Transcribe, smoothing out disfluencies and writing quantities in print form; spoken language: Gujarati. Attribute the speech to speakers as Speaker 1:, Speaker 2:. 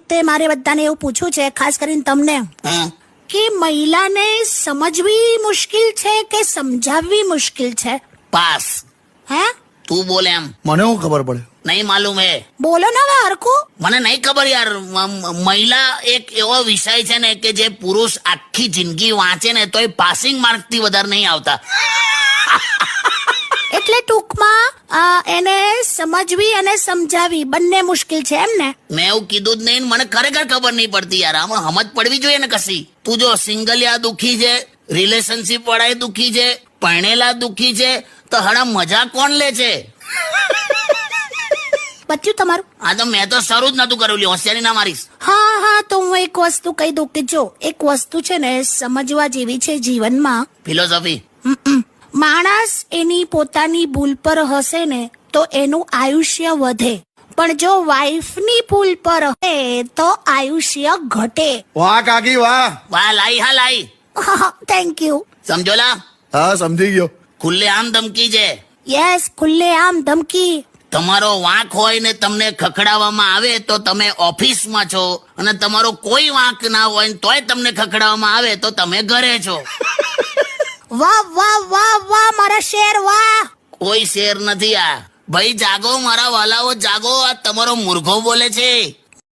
Speaker 1: વખતે મારે બધાને એવું પૂછવું છે, ખાસ કરીને તમને,
Speaker 2: હા
Speaker 1: કે મહિલાને સમજવી મુશ્કેલ છે કે સમજાવવી મુશ્કેલ છે?
Speaker 2: પાસ.
Speaker 1: હે?
Speaker 2: તું બોલે એમ
Speaker 3: મને શું ખબર પડે?
Speaker 2: નહીં માલુમ હે.
Speaker 1: બોલો ને હવે હરખું.
Speaker 2: મને નહીં ખબર યાર. મહિલા એક એવો વિષય છે ને કે જે પુરુષ આખી જિંદગી વાંચે ને તોય પાસિંગ માર્ક થી વધારે નહીં આવતા.
Speaker 1: એટલે ટૂંકમાં એને સમજવી અને સમજાવી બંને મુશ્કેલ છે એમ ને?
Speaker 2: મેં એવું કીધું જ નહીં. મને ખરેખર ખબર નહીં પડતી યાર. આમાં સમજ પડવી જોઈએ ને કશી. તું જો સિંગલિયા દુખી છે, રિલેશનશિપ વાળા દુખી છે, પરણેલા દુખી છે, તો હડા મજા કોણ લે છે?
Speaker 1: બચ્યું તમારું?
Speaker 2: આ તો મેં તો શરૂ જ નતું કર્યું. હોશિયારી ના મારીશ.
Speaker 1: હા તો હું એક વસ્તુ કહી દઉં કે જો એક વસ્તુ છે ને સમજવા જેવી છે જીવનમાં.
Speaker 2: ફિલોસોફી.
Speaker 1: માણસ એની પોતાની ભૂલ પર હશે ને તો એનું આયુષ્ય વધે, પણ જો વાઈફની ભૂલ પર હશે તો આયુષ્ય ઘટે.
Speaker 3: વાહ કાકી વાહ.
Speaker 2: વાહ લાઈ, હા લાઈ.
Speaker 1: Thank you.
Speaker 2: સમજોલા?
Speaker 3: હા સમજી ગયો.
Speaker 2: ખુલ્લે આમ ધમકી છે.
Speaker 1: યસ, ખુલ્લે આમ ધમકી.
Speaker 2: તમારો વાંક હોય ને તમને ખખડાવવામાં આવે તો તમે ઓફિસમાં છો, અને તમારો કોઈ વાંક ના હોય ને તોય તમને ખખડાવવામાં આવે તો તમે ઘરે છો.
Speaker 1: વાહ વાહ વાહ વાહ મારા શેર વાહ.
Speaker 2: કોઈ શેર નથી આ. ભાઈ જાગો મારા વાલાઓ, જાગો. આ તમારો મુર્ગો બોલે છે.